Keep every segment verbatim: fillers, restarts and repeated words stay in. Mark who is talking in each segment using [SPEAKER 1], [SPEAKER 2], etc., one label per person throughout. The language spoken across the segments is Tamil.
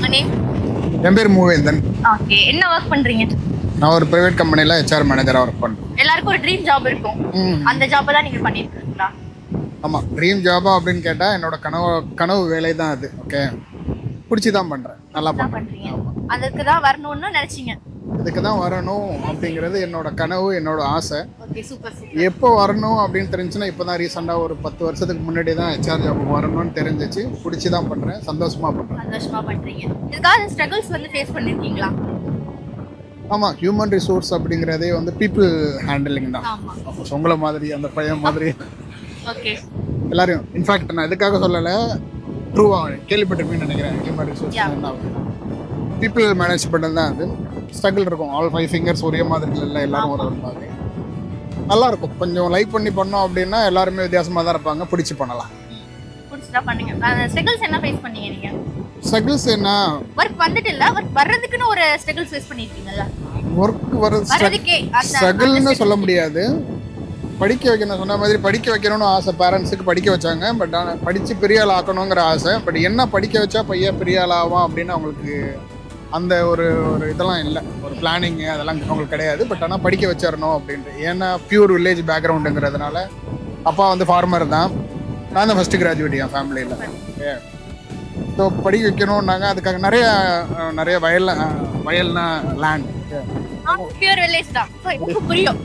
[SPEAKER 1] உங்க நேம்?
[SPEAKER 2] என் பேர் மூவேந்தன்.
[SPEAKER 1] ஓகே, என்ன ஒர்க் பண்றீங்க?
[SPEAKER 2] நான் ஒரு பிரைவேட் கம்பெனியில் ஹெச்ஆர் மேனேஜராக ஒர்க் பண்ணுறேன்.
[SPEAKER 1] எல்லாருக்கும் ஒரு ட்ரீம் ஜாப் இருக்கும். அந்த ஜாப்பை தான் நீங்கள் பண்ணியிருக்கீங்களா?
[SPEAKER 2] ஆமாம், ட்ரீம் ஜாபா அப்படின்னு கேட்டால் என்னோட கனவு கனவு வேலை தான் அது. ஓகே, பிடிச்சி தான் பண்ணுறேன், நல்லா பண்ணுறீங்க.
[SPEAKER 1] அதுக்கு தான் வரணும்னு நினச்சிங்க?
[SPEAKER 2] இதுக்கு தான் வரணும் அப்படிங்கிறது என்னோட கனவு, என்னோட ஆசை.
[SPEAKER 1] Okay, super super.
[SPEAKER 2] எப்போ வரணும் அப்படின்னு தெரிஞ்சுன்னா இப்போ தான் ரீசெண்டாக ஒரு பத்து வருஷத்துக்கு முன்னாடி தான் ஹெச்ஆர் ஜாபுக்கு வரணும்னு தெரிஞ்சிச்சு. பிடிச்சி தான் பண்ணுறேன், சந்தோஷமாக பண்ணுறேன்.
[SPEAKER 1] சந்தோஷமாக பண்ணுறீங்க. இதுக்காக ஸ்ட்ரகிள்ஸ் வந்து ஃபேஸ் பண்ணியிருக்கீங்களா?
[SPEAKER 2] ஆமாம், ஹியூமன் ரிசோர்ஸ் அப்படிங்கிறதே வந்து பீப்புள் ஹேண்டிலிங் தான். உங்களை மாதிரி அந்த பையன் மாதிரி
[SPEAKER 1] ஓகே
[SPEAKER 2] எல்லாரையும். இன்ஃபேக்ட் நான் இதுக்காக சொல்லலை, ட்ரூவாக கேள்விப்பட்டிருப்பேன்னு நினைக்கிறேன். ஹியூமன் ரிசோர்ஸ் என்ன பீப்புள் மேனேஜ்மெண்ட் தான். அது ஸ்ட்ரகிள் இருக்கும். ஆல் ஃபைவ் ஃபிங்கர்ஸ் ஒரே மாதிரி இல்லை, எல்லாரும் ஒரு மாதிரி நல்லா இருக்கும். கொஞ்சம் லைக் பண்ணி பண்ணோம் அப்படின்னா எல்லாருமே வித்தியாசமாக தான் இருப்பாங்க. பிடிச்சி பண்ணலாம்.
[SPEAKER 1] பிடிச்சதா பண்ணுங்க. ஸ்ட்ரகிள்ஸ் என்ன ஃபேஸ் பண்ணீங்க நீங்க?
[SPEAKER 2] ஸ்ட்ரகிள்ஸ் என்ன,
[SPEAKER 1] ஒர்க் வந்துட்டு இல்ல, ஒர்க் வர்றதுக்குன்னு ஒரு ஸ்ட்ரகிள்ஸ் ஃபேஸ் பண்ணிருக்கீங்கல்ல?
[SPEAKER 2] ஒர்க் வரதுக்கே ஸ்ட்ரகிள்னு சொல்ல முடியாது. படிக்க வைக்கணும், சொன்ன மாதிரி படிக்க வைக்கணும்னு ஆசை. பேரண்ட்ஸுக்கு படிக்க வச்சாங்க. பட் ஆனால் படித்து பெரிய ஆள் ஆக்கணுங்கிற ஆசை. பட் என்ன படிக்க வச்சா பையன் பெரிய ஆள் ஆகும் அப்படின்னு அவங்களுக்கு அந்த ஒரு ஒரு இதெல்லாம் இல்லை, ஒரு பிளானிங்கு அதெல்லாம் அவங்களுக்கு கிடையாது. பட் ஆனால் படிக்க வச்சிடணும் அப்படின்ட்டு. ஏன்னா பியூர் வில்லேஜ் பேக்ரவுண்டுங்கிறதுனால. அப்பா வந்து ஃபார்மர் தான், நான் தான் ஃபஸ்ட்டு கிராஜுவேட் என் ஃபேமிலியில். ஓகே, ஸோ படிக்க வைக்கணும்னாங்க. அதுக்காக நிறைய நிறைய வயல் வயல்னா லேண்ட்
[SPEAKER 1] பியூர் வில்லேஜ் தான், புரியும்.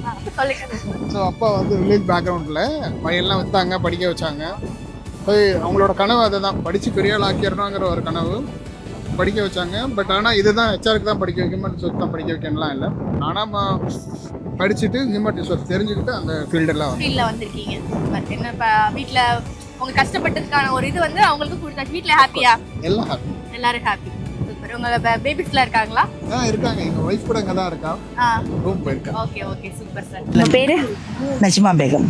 [SPEAKER 2] ஸோ அப்பா வந்து வில்லேஜ் பேக்ரவுண்டில் வயல்லாம் விற்றாங்க, படிக்க வச்சாங்க. அவங்களோட கனவு அதை தான், படித்து பெரிய ஆள் ஆக்கிடணுங்கிற ஒரு கனவு. படிக்க வச்சாங்க. பட் ஆனால் இதுதான் ஹெச்ஆருக்கு தான் படிக்க ஹியூமன் ரிசோர்ஸ் தான் படிக்க வைக்கணும்லாம் இல்லை. ஆனால் படிச்சுட்டு ஹியூமன் ரிசோர்ஸ் தெரிஞ்சுக்கிட்டு அந்த ஃபீல்டெல்லாம்
[SPEAKER 1] ஃபீல்டில் வந்திருக்கீங்க. பட் என்ன இப்போ வீட்டில் உங்கள் கஷ்டப்பட்டதுக்கான ஒரு இது வந்து அவங்களுக்கு கொடுத்தா வீட்டில் ஹாப்பியா?
[SPEAKER 2] எல்லாம் ஹாப்பி,
[SPEAKER 1] எல்லாரும் ஹாப்பி. சூப்பர். உங்கள் பேபிஸ்லாம் இருக்காங்களா?
[SPEAKER 2] ஆ இருக்காங்க. எங்கள் ஒய்ஃப் கூட இங்கே தான் இருக்கா, ரூம் போயிருக்கா.
[SPEAKER 1] Okay okay, super sir. உங்கள் பேர்?
[SPEAKER 3] நஜ்மா பேகம்.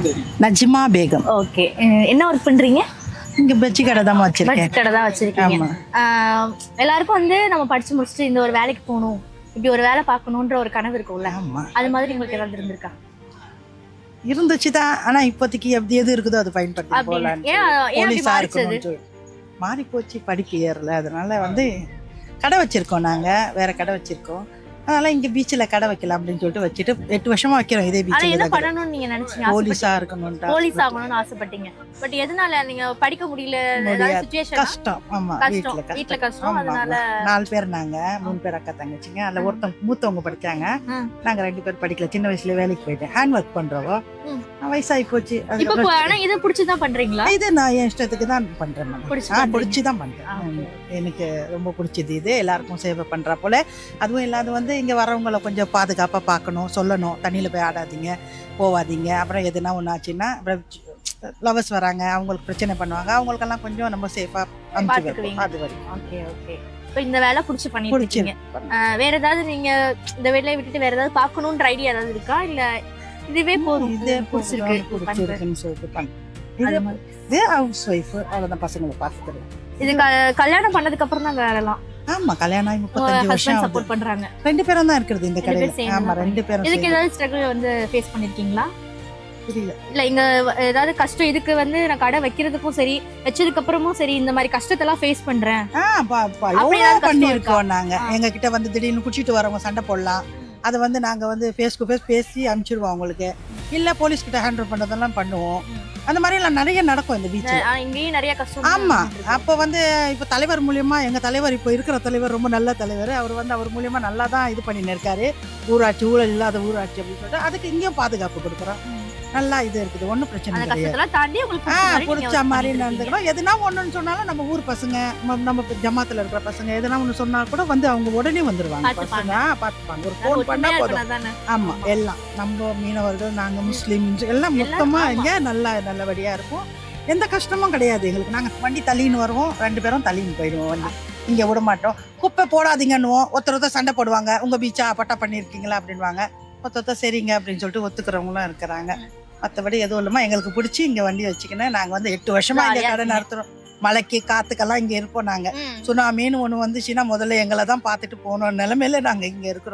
[SPEAKER 3] நஜ்மா பேகம்.
[SPEAKER 1] ஓகே, என்ன ஒர்க் பண்ணுறீங்க?
[SPEAKER 3] இங்கே பஜ்ஜி கடை தான் வச்சிருக்கேன்.
[SPEAKER 1] பஜ்ஜி கடை தான் வச்சிருக்கீங்க. எல்லாருக்கும் வந்து நம்ம படிச்சு முடிச்சுட்டு இந்த ஒரு வேலைக்கு போகணும், இப்படி ஒரு வேலை பார்க்கணுன்ற ஒரு கனவு இருக்கும்ல, அது மாதிரி உங்களுக்கு ஏதாவது இருந்திருக்கா?
[SPEAKER 3] இருந்துச்சு தான். ஆனால் இப்போதைக்கு எப்படி எது இருக்குதோ அது பயன்படுத்தி போகலாம். போலீஸாக இருக்கணும் மாறி போச்சு, படிப்பு ஏறல. அதனால வந்து கடை வச்சிருக்கோம், நாங்கள் வேற கடை வச்சிருக்கோம். அதனால இங்க பீச்சில் கடை வைக்கலாம் அப்படின்னு சொல்லிட்டு வச்சுட்டு எட்டு வருஷமா வைக்கிறோம் இதே பீச்சில்.
[SPEAKER 1] என்ன பண்ணணும்னு நீங்க நினைச்சீங்க?
[SPEAKER 3] போலீஸா இருக்கணும்,
[SPEAKER 1] போலீஸ் ஆகணும்னு ஆசைப்பட்டீங்க. பட் எதனால நீங்க படிக்க முடியல? சிச்சுவேஷன்
[SPEAKER 3] கஷ்டம். ஆமா, வீட்ல
[SPEAKER 1] வீட்ல கஷ்டம். அதனால
[SPEAKER 3] நாலு பேர், நாங்க மூணு பேர் அக்கா தங்கச்சிங்க. அதுல ஒருத்தவங்க மூத்தவங்க படிச்சாங்க, நாங்க ரெண்டு பேர் படிக்கல. சின்ன வயசுல வேலைக்கு போயிட்டேன், ஹேண்ட் ஒர்க் பண்றவோ. வயசாகி போச்சு.
[SPEAKER 1] ஆனா இதை பிடிச்சிதான் பண்றீங்களா?
[SPEAKER 3] இது நான் என் இஷ்டத்துக்கு தான் பண்றேன், பிடிச்சிதான் பண்றேன். எனக்கு ரொம்ப பிடிச்சது இது. எல்லாருக்கும் சேவை பண்றா போல. அதுவும் இல்லாத வந்து இங்கே வரவங்களை கொஞ்சம் பாதுகாப்பாக பார்க்கணும், சொல்லணும். தண்ணியில் போய் ஆடாதீங்க, போவாதீங்க. அப்புறம் எதுனா ஒன்று ஆச்சுன்னா அப்புறம் லவர்ஸ் வராங்க, அவங்களுக்கு பிரச்சனை பண்ணுவாங்க. அவங்களுக்கெல்லாம் கொஞ்சம் நம்ம சேஃபாக அனுப்பிச்சுக்குவீங்க. அது வரைக்கும் ஓகே ஓகே.
[SPEAKER 1] இப்போ இந்த வேலை பிடிச்சி பண்ணிருக்கீங்க. வேற ஏதாவது நீங்க இந்த வேலையை விட்டுட்டு வேற ஏதாவது பார்க்கணுன்ற ஐடியா ஏதாவது இருக்கா? இல்லை இதுவே போதும், இது பிடிச்சிருக்கு
[SPEAKER 3] பிடிச்சிருக்குன்னு சொல்லிட்டு பண்ணுறேன். இது ஹவுஸ் ஒய்ஃப், அவ்வளோதான், பசங்களை பார்த்துக்கிறேன்.
[SPEAKER 1] இது கல்யாணம் பண்ணதுக்கு அப்புறம் தான் வேலைலாம்?
[SPEAKER 3] ஆமா, கல்யாணம் ஆகி முப்பத்தஞ்சு வருஷம்
[SPEAKER 1] சப்போர்ட் பண்றாங்க.
[SPEAKER 3] ரெண்டு பேரும் தான் இருக்குது இந்த கடையில. ஆமா, ரெண்டு பேரும்.
[SPEAKER 1] இதுக்கு ஏதாவது ஸ்ட்ரகிள் வந்து ஃபேஸ் பண்ணிருக்கீங்களா?
[SPEAKER 3] புரியல.
[SPEAKER 1] இல்ல இங்க ஏதாவது கஷ்டம், இதுக்கு வந்து நான் கடை வைக்கிறதுக்கும் சரி வச்சதுக்கு அப்புறமும் சரி இந்த மாதிரி கஷ்டத்தெல்லாம் ஃபேஸ் பண்றேன்
[SPEAKER 3] பண்ணிருக்கோம் நாங்க. எங்க கிட்ட வந்து திடீர்னு குடிச்சிட்டு வரவங்க சண்டை போடலாம். அதை வந்து நாங்கள் வந்து ஃபேஸ் டு ஃபேஸ் பேசி அனுப்பிச்சிடுவோம் அவங்களுக்கு. இல்லை போலீஸ் கிட்ட ஹேண்டில் பண்ணுறதெல்லாம் பண்ணுவோம். அந்த மாதிரிலாம் நிறைய நடக்கும் இந்த பீச்சில்.
[SPEAKER 1] இங்கேயும் நிறைய கஷ்டம்.
[SPEAKER 3] ஆமாம், அப்போ வந்து இப்போ தலைவர் மூலியமா, எங்கள் தலைவர் இப்போ இருக்கிற தலைவர் ரொம்ப நல்ல தலைவர். அவர் வந்து அவர் மூலியமா நல்லா தான் இது பண்ணின்னு இருக்காரு. ஊராட்சி, ஊழல் இல்லாத ஊராட்சி அப்படின்னு சொல்லிட்டு அதுக்கு இங்கேயும் பாதுகாப்பு கொடுக்குறோம். நல்லா இது இருக்குது, ஒன்றும் பிரச்சனை கிடையாது. பிடிச்ச மாதிரி நடந்துக்கணும். எதுனா ஒன்றுன்னு சொன்னாலும் நம்ம ஊர் பசங்க, நம்ம ஜமாத்தில் இருக்கிற பசங்க எதுனா ஒன்று சொன்னா கூட வந்து அவங்க உடனே வந்துடுவாங்க. பசங்க பார்த்துப்பாங்க, ஒரு ஃபோன் பண்ணா போதும். ஆமாம், எல்லாம் நம்ம மீனவர்கள், நாங்கள் முஸ்லீம்ஸ் எல்லாம் மொத்தமாக இங்கே நல்லா நல்லபடியாக இருக்கும். எந்த கஷ்டமும் கிடையாது எங்களுக்கு. நாங்கள் வண்டி தள்ளின்னு வருவோம், ரெண்டு பேரும் தள்ளின்னு போயிடுவோம். வண்டி இங்கே விட மாட்டோம். குப்பை போடாதீங்கன்னுவோம். ஒருத்தர் ஒருத்தர் சண்டை போடுவாங்க, உங்கள் பீச்சா பட்டா பண்ணியிருக்கீங்களா அப்படின்வாங்க. ஒருத்தர் ஒருத்தர் சரிங்க அப்படின்னு சொல்லிட்டு ஒத்துக்கிறவங்களும் இருக்கிறாங்க. மற்றபடி எதுவும் இல்லாமல் எங்களுக்கு பிடிச்சி இங்கே வண்டி வச்சுக்கினேன். நாங்கள் வந்து எட்டு வருஷமா இங்கே கடை நடத்துகிறோம். மழைக்கு காத்துக்கெல்லாம் இங்கே இருப்போம். நாங்கள் சுனாமின்னு ஒன்று வந்துச்சுன்னா முதல்ல எங்களை தான் பார்த்துட்டு போகணும் நிலைமையில நாங்கள் இங்கே இருக்கிறோம்.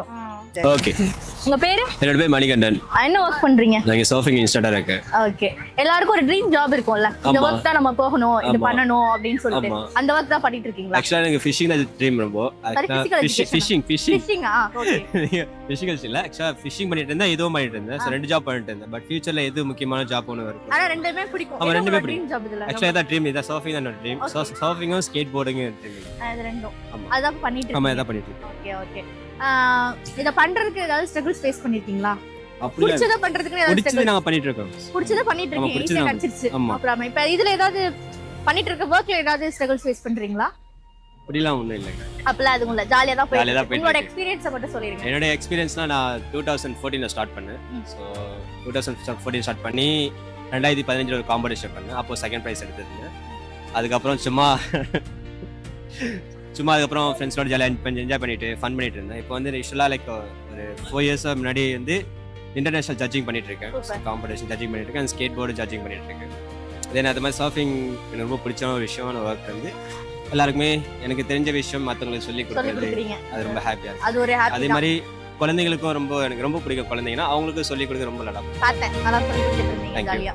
[SPEAKER 4] ஓகே.
[SPEAKER 1] உங்க பேரு?
[SPEAKER 4] என்னோட பேர் மணிகண்டன்.
[SPEAKER 1] என்ன ஒர்க் பண்றீங்க?
[SPEAKER 4] நான் சர்ஃபிங் இன்ஸ்ட்ரக்டரா இருக்கேன்.
[SPEAKER 1] ஓகே. எல்லாருக்கும் ஒரு ட்ரீம் ஜாப் இருக்கும்ல, இந்த ஒர்க் தான் நம்ம போகணும், இது பண்ணணும் அப்படின்னு சொல்லிட்டு அந்த ஒர்க் தான் பண்ணிட்டு இருக்கீங்களா?
[SPEAKER 4] ஆக்சுவலா எனக்கு ஃபிஷிங் தான் ட்ரீம் ரொம்ப. ஃபிஷிங் ஃபிஷிங்
[SPEAKER 1] ஃபிஷிங் ஆ ஓகே.
[SPEAKER 4] ஃபிஷிங் இல்ல, ஆக்சுவலா ஃபிஷிங் பண்ணிட்டு இருந்தேன், இதுவும் பண்ணிட்டு இருந்தேன். சோ ரெண்டு ஜாப் பண்ணிட்டு இருந்தேன். பட் ஃபியூச்சர்ல எது முக்கியமான ஜாப் ஒன்னு வரும்.
[SPEAKER 1] ஆனா ரெண்டுமே பிடிக்கும்.
[SPEAKER 4] ஆமா ரெண்டுமே
[SPEAKER 1] ட்ரீம் ஜாப் இதுல.
[SPEAKER 4] ஆக்சுவலா இதான் ட்ரீம், இதான் சர்ஃபிங் தான் என்னோட ட்ரீம். சர்ஃபிங்கும் ஸ்கேட் போர்டிங்கும் ட்ரீம்.
[SPEAKER 1] அது ரெண்டும். அதான் பண்ணிட்டு இருக்கேன்.
[SPEAKER 4] ஆமா அதான் பண்ணிட்டு இருக்கேன்.
[SPEAKER 1] Okay okay. இத பண்றதுக்கு ஏதாவது ஸ்ட்ரகிள்ஸ் ஃபேஸ் பண்ணிருக்கீங்களா?
[SPEAKER 4] அப்படி
[SPEAKER 1] புடிச்சத பண்றதுக்கு ஏதாவது
[SPEAKER 4] புடிச்சத நாங்க பண்ணிட்டு இருக்கோம்.
[SPEAKER 1] புடிச்சத பண்ணிட்டு இருக்கீங்க, ஈஸியா கிடைச்சிருச்சு. அப்புறம் இப்ப இதுல ஏதாவது பண்ணிட்டு இருக்க வர்க்ல ஏதாவது ஸ்ட்ரகிள்ஸ் ஃபேஸ் பண்றீங்களா?
[SPEAKER 4] அப்படிலாம் ஒண்ணும் இல்லங்க.
[SPEAKER 1] அப்பலாம் அதுவும் இல்ல, ஜாலியா தான்
[SPEAKER 4] ஜாலியா தான்
[SPEAKER 1] போயிட்டு. உங்களோட எக்ஸ்பீரியன்ஸ் மட்டும் சொல்லிருங்க.
[SPEAKER 4] என்னோட எக்ஸ்பீரியன்ஸ்னா நான் twenty fourteen ல ஸ்டார்ட் பண்ணேன். சோ twenty fourteen ஸ்டார்ட் பண்ணி twenty fifteen ஒரு காம்படிஷன் பண்ணேன். அப்போ செகண்ட் பிரைஸ் எடுத்திருந்தேன். அதுக்கப்புறம் சும்மா சும்மா அதுக்கப்புறம் ஃப்ரெண்ட்ஸோட ஜாலியாக என்ஜாய் பண்ணிட்டு ஃபன் பண்ணிட்டு இருந்தேன். இப்போ வந்து யூஸ்வலாக லைக் ஒரு ஃபோர் இயர்ஸ் முன்னாடி வந்து இன்டர்நேஷனல் ஜட்ஜிங் பண்ணிட்டு இருக்கேன். காம்படிஷன் ஜட்ஜிங் பண்ணிட்டு இருக்கேன், ஸ்கேட் போர்டு ஜட்ஜிங் பண்ணிட்டு இருக்கேன். தென் அது மாதிரி சர்ஃபிங் எனக்கு ரொம்ப பிடிச்ச ஒரு விஷயமான ஒர்க் வந்து எல்லாருக்குமே எனக்கு தெரிஞ்ச விஷயம் மற்றவங்களுக்கு சொல்லி கொடுக்குறது, அது ரொம்ப ஹாப்பியாக இருக்கு.
[SPEAKER 1] அது ஒரு ஹாப்பி.
[SPEAKER 4] அதே மாதிரி குழந்தைங்களுக்கும் ரொம்ப எனக்கு ரொம்ப பிடிக்கும். குழந்தைங்கன்னா அவங்களுக்கும் சொல்லி கொடுக்க ரொம்ப நல்லா
[SPEAKER 1] பார்த்தேன். நல்லா சொல்லி கொடுத்துருந்தீங்க ஜாலியா.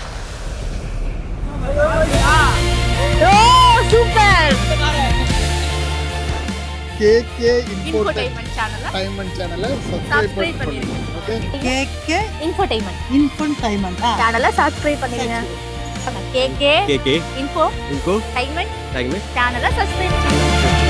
[SPEAKER 1] ஓ சூப்பர்.
[SPEAKER 2] கேகே
[SPEAKER 1] இன்ஃபோடெயின்மென்ட் சேனலை
[SPEAKER 2] டைமண்ட் சேனலை
[SPEAKER 1] சப்ஸ்கிரைப்
[SPEAKER 2] சப்ஸ்கிரைப்
[SPEAKER 1] பண்ணிருங்க.
[SPEAKER 2] ஓகே.
[SPEAKER 3] கேகே
[SPEAKER 1] இன்ஃபோடெயின்மென்ட்
[SPEAKER 3] இன்ஃபோடெயின்மென்ட்
[SPEAKER 1] சேனலை சப்ஸ்கிரைப் பண்ணிருங்க. கேகே
[SPEAKER 4] கேகே
[SPEAKER 1] இன்ஃபோ
[SPEAKER 4] இன்கோ
[SPEAKER 1] டைமெண்ட்
[SPEAKER 4] டைம்
[SPEAKER 1] சேனலை சப்ஸ்கிரைப் பண்ணுங்க.